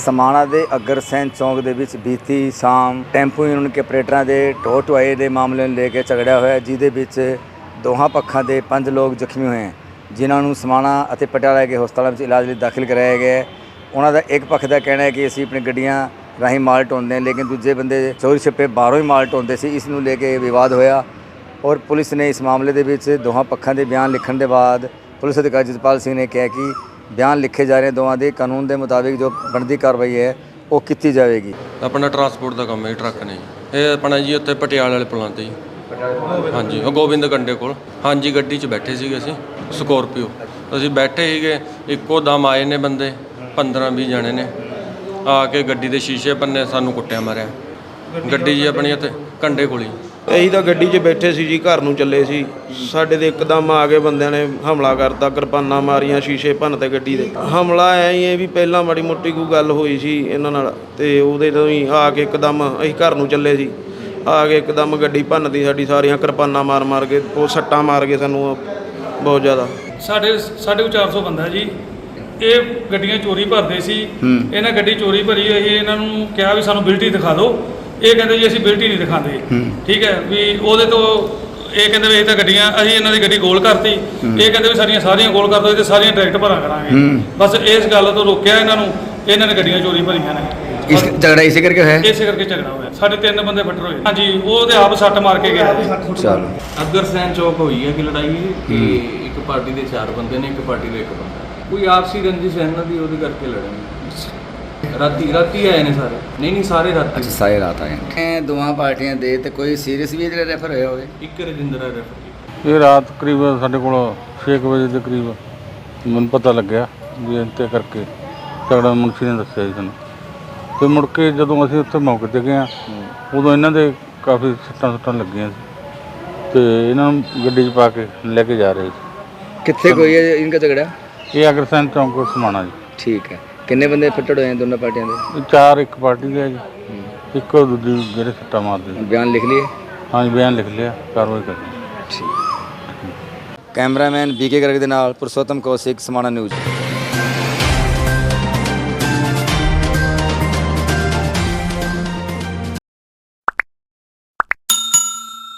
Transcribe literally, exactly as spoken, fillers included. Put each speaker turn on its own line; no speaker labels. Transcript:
ਸਮਾਣਾ ਦੇ ਅਗਰਸੈਨ ਚੌਂਕ ਦੇ ਵਿੱਚ ਬੀਤੀ ਸ਼ਾਮ ਟੈਂਪੂ ਯੂਨੀਅਨ ਕੇ ਆਪਰੇਟਰਾਂ ਦੇ ਢੋਹ ਢੁਆਈ ਦੇ ਮਾਮਲੇ ਨੂੰ ਲੈ ਕੇ ਝਗੜਿਆ ਹੋਇਆ, ਜਿਹਦੇ ਵਿੱਚ ਦੋਹਾਂ ਪੱਖਾਂ ਦੇ ਪੰਜ ਲੋਕ ਜ਼ਖਮੀ ਹੋਏ ਹਨ, ਜਿਨ੍ਹਾਂ ਨੂੰ ਸਮਾਣਾ ਅਤੇ ਪਟਿਆਲਾ ਦੇ ਹਸਪਤਾਲਾਂ ਵਿੱਚ ਇਲਾਜ ਲਈ ਦਾਖਲ ਕਰਾਇਆ ਗਿਆ ਹੈ। ਉਹਨਾਂ ਦਾ ਇੱਕ ਪੱਖ ਦਾ ਕਹਿਣਾ ਹੈ ਕਿ ਅਸੀਂ ਆਪਣੀ ਗੱਡੀਆਂ ਰਾਹੀਂ ਮਾਲ ਢੋਂਦੇ ਹਾਂ, ਲੇਕਿਨ ਦੂਜੇ ਬੰਦੇ ਚੋਰੀ ਛਿੱਪੇ ਬਾਹਰੋਂ ਹੀ ਮਾਲ ਢੋਂਦੇ ਸੀ। ਇਸ ਨੂੰ ਲੈ ਕੇ ਵਿਵਾਦ ਹੋਇਆ ਔਰ ਪੁਲਿਸ ਨੇ ਇਸ ਮਾਮਲੇ ਦੇ ਵਿੱਚ ਦੋਹਾਂ ਪੱਖਾਂ ਦੇ ਬਿਆਨ ਲਿਖਣ ਦੇ ਬਾਅਦ ਪੁਲਿਸ ਅਧਿਕਾਰੀ ਜਸਪਾਲ ਸਿੰਘ ਨੇ ਕਿਹਾ ਕਿ ਬਿਆਨ ਲਿਖੇ ਜਾ ਰਹੇ ਦੋਵਾਂ ਦੇ ਕਾਨੂੰਨ ਦੇ ਮੁਤਾबिक ਜੋ ਬਣਦੀ ਕਾਰਵਾਈ ਹੈ ਉਹ ਕੀਤੀ ਜਾਵੇਗੀ।
ਆਪਣਾ ਟਰਾਂਸਪੋਰਟ ਦਾ ਕੰਮ ਹੈ, ਟਰੱਕ ਨੇ ਇਹ ਆਪਣਾ ਜੀ ਉੱਥੇ ਪਟਿਆਲੇ ਵਾਲੇ ਪੁਲਾਂ 'ਤੇ ਜੀ। ਹਾਂਜੀ, ਉਹ ਗੋਬਿੰਦ ਕੰਡੇ ਕੋਲ। ਹਾਂਜੀ, ਗੱਡੀ 'ਚ ਬੈਠੇ ਸੀਗੇ ਅਸੀਂ, ਸਕੋਰਪੀਓ ਅਸੀਂ ਬੈਠੇ ਸੀਗੇ, ਇੱਕੋ ਦਮ ਆਏ ਨੇ ਬੰਦੇ, ਪੰਦਰਾਂ ਵੀਹ ਜਣੇ ਨੇ ਆ ਕੇ ਗੱਡੀ ਦੇ ਸ਼ੀਸ਼ੇ ਭੰਨੇ, ਸਾਨੂੰ ਕੁੱਟਿਆ ਮਾਰਿਆ। ਗੱਡੀ ਜੀ ਆਪਣੀ ਉੱਥੇ ਕੰਡੇ ਕੋਲ ਹੀ।
ਅਸੀਂ ਤਾਂ ਗੱਡੀ 'ਚ ਬੈਠੇ ਸੀ ਜੀ, ਘਰ ਨੂੰ ਚੱਲੇ ਸੀ। ਸਾਡੇ ਦੇ ਇੱਕਦਮ ਆ ਕੇ ਬੰਦਿਆਂ ਨੇ ਹਮਲਾ ਕਰਤਾ, ਕਿਰਪਾਨਾਂ ਮਾਰੀਆਂ, ਸ਼ੀਸ਼ੇ ਭੰਨ ਤੇ ਗੱਡੀ ਦੇ। ਹਮਲਾ ਐ ਹੀ ਹੈ ਵੀ ਪਹਿਲਾਂ ਮਾੜੀ ਮੋਟੀ ਕੋਈ ਗੱਲ ਹੋਈ ਸੀ ਇਹਨਾਂ ਨਾਲ, ਤੇ ਉਹਦੇ ਤੋਂ ਹੀ ਆ ਕੇ ਇੱਕਦਮ ਅਸੀਂ ਘਰ ਨੂੰ ਚੱਲੇ ਸੀ, ਆ ਕੇ ਇੱਕਦਮ ਗੱਡੀ ਭੰਨਦੀ ਸਾਡੀ, ਸਾਰੀਆਂ ਕਿਰਪਾਨਾਂ ਮਾਰ ਮਾਰ ਕੇ, ਉਹ ਸੱਟਾਂ ਮਾਰ ਕੇ ਸਾਨੂੰ ਬਹੁਤ ਜ਼ਿਆਦਾ।
ਸਾਡੇ ਸਾਡੇ ਕੋਲ ਚਾਰ ਸੌ ਬੰਦਾ ਜੀ। ਇਹ ਗੱਡੀਆਂ ਚੋਰੀ ਭਰਦੇ ਸੀ। ਇਹਨਾਂ ਗੱਡੀ ਚੋਰੀ ਭਰੀ ਹੋਈ, ਇਹਨਾਂ ਨੂੰ ਕਿਹਾ ਵੀ ਸਾਨੂੰ ਬਿਲਟੀ ਦਿਖਾ ਦਿਓ। ਇਹ ਕਹਿੰਦੇ ਜੀ ਅਸੀਂ ਬਿਲਟੀ ਨਹੀਂ ਦਿਖਾਉਂਦੇ। ਠੀਕ ਹੈ ਵੀ ਉਹਦੇ ਤੋਂ ਇਹ ਕਹਿੰਦੇ ਵੀ ਇਹ ਤਾਂ ਗੱਡੀਆਂ, ਅਸੀਂ ਇਹਨਾਂ ਦੀ ਗੱਡੀ ਗੋਲ ਕਰਤੀ। ਇਹ ਕਹਿੰਦੇ ਵੀ ਸਾਡੀਆਂ ਸਾਰੀਆਂ ਗੋਲ ਕਰ ਦਿਓ ਤੇ ਸਾਰੀਆਂ ਡਾਇਰੈਕਟ ਭਰਾ ਕਰਾਂਗੇ। ਬਸ ਇਸ ਗੱਲ ਤੋਂ ਰੋਕਿਆ ਇਹਨਾਂ ਨੂੰ। ਇਹਨਾਂ ਨੇ ਗੱਡੀਆਂ ਚੋਰੀ ਭਰੀਆਂ ਨੇ।
ਇਸ ਝਗੜਾ ਇਸੇ ਕਰਕੇ ਹੋਇਆ
ਇਸੇ ਕਰਕੇ ਝਗੜਾ ਹੋਇਆ। ਸਾਡੇ ਤਿੰਨ ਬੰਦੇ ਫੱਟਰ ਹੋਏ। ਹਾਂਜੀ, ਉਹ ਤੇ ਆਪ ਸੱਟ ਮਾਰ ਕੇ ਗਿਆ।
ਚਲੋ,
ਅਗਰਸੈਨ ਚੌਕ ਹੋਈ ਹੈ ਕਿ ਲੜਾਈ ਕਿ ਇੱਕ ਪਾਰਟੀ ਦੇ ਚਾਰ ਬੰਦੇ ਨੇ, ਇੱਕ ਪਾਰਟੀ ਦੇ ਇੱਕ ਬੰਦਾ। ਕੋਈ ਆਪਸੀ ਰੰਜਿਸ਼ ਹੈ ਇਹਨਾਂ ਦੀ, ਉਹਦੇ ਕਰਕੇ ਲੜੇ। ਰਾਤੀ ਰਾਤੀ ਆਏ ਨੇ ਸਾਰੇ। ਨਹੀਂ ਨਹੀਂ ਸਾਰੇ ਰਾਤੀ।
ਅੱਛਾ, ਸਾਰੇ ਰਾਤ ਆਏ ਨੇ ਦੋਵਾਂ ਪਾਰਟੀਆਂ ਦੇ। ਤੇ ਕੋਈ ਸੀਰੀਅਸ ਵੀ ਜਿਹੜੇ ਰੈਫਰ ਹੋਇਆ ਹੋਵੇ?
ਇੱਕ ਰਜਿੰਦਰਾ ਰੈਫਰ।
ਇਹ ਰਾਤ ਕਰੀਬ ਸਾਡੇ ਕੋਲ ਛੇ ਕੁ ਵਜੇ ਦੇ ਕਰੀਬ ਮੈਨੂੰ ਪਤਾ ਲੱਗਿਆ ਵੀ ਇੰਤੇ ਕਰਕੇ ਝਗੜਾ ਮੁਨਸ਼ੀ ਨੇ ਦੱਸਿਆ ਜੀ ਸਾਨੂੰ। ਅਤੇ ਮੁੜ ਕੇ ਜਦੋਂ ਅਸੀਂ ਉੱਥੇ ਮੌਕੇ 'ਤੇ ਗਏ ਹਾਂ, ਉਦੋਂ ਇਹਨਾਂ ਦੇ ਕਾਫੀ ਸੱਟਾਂ ਸੁੱਟਾਂ ਲੱਗੀਆਂ ਸੀ ਅਤੇ ਇਹਨਾਂ ਨੂੰ ਗੱਡੀ 'ਚ ਪਾ ਕੇ ਲੈ ਕੇ ਜਾ ਰਹੇ ਸੀ।
ਕਿੱਥੇ ਕੋਈ ਹੈ ਇਨਕਾ ਝਗੜਾ?
ਇਹ ਅਗਰਸੈਨ ਚੌਂਕ ਸਮਾਣਾ ਜੀ।
ਠੀਕ ਹੈ। ਕਿੰਨੇ ਬੰਦੇ ਫੱਟੜ ਹੋਏ ਦੋਨੋਂ ਪਾਰਟੀਆਂ ਦੇ?
ਇਹ ਚਾਰ ਇੱਕ ਪਾਰਟੀ ਦੇ ਆ ਜੀ, ਇੱਕ ਦੂਜੀ ਜਿਹੜੇ ਸੱਟਾਂ ਮਾਰਦੇ ਸੀ।
ਬਿਆਨ ਲਿਖ ਲਈਏ?
ਹਾਂਜੀ, ਬਿਆਨ ਲਿਖ ਲਿਆ, ਕਾਰਵਾਈ ਕਰਨੀ।
ਠੀਕ। ਕੈਮਰਾਮੈਨ ਬੀ ਕੇ ਗਰਗ ਦੇ ਨਾਲ ਪੁਰਸ਼ੋਤਮ ਕੌਸ਼ਿਕ, ਸਮਾਣਾ ਨਿਊਜ਼।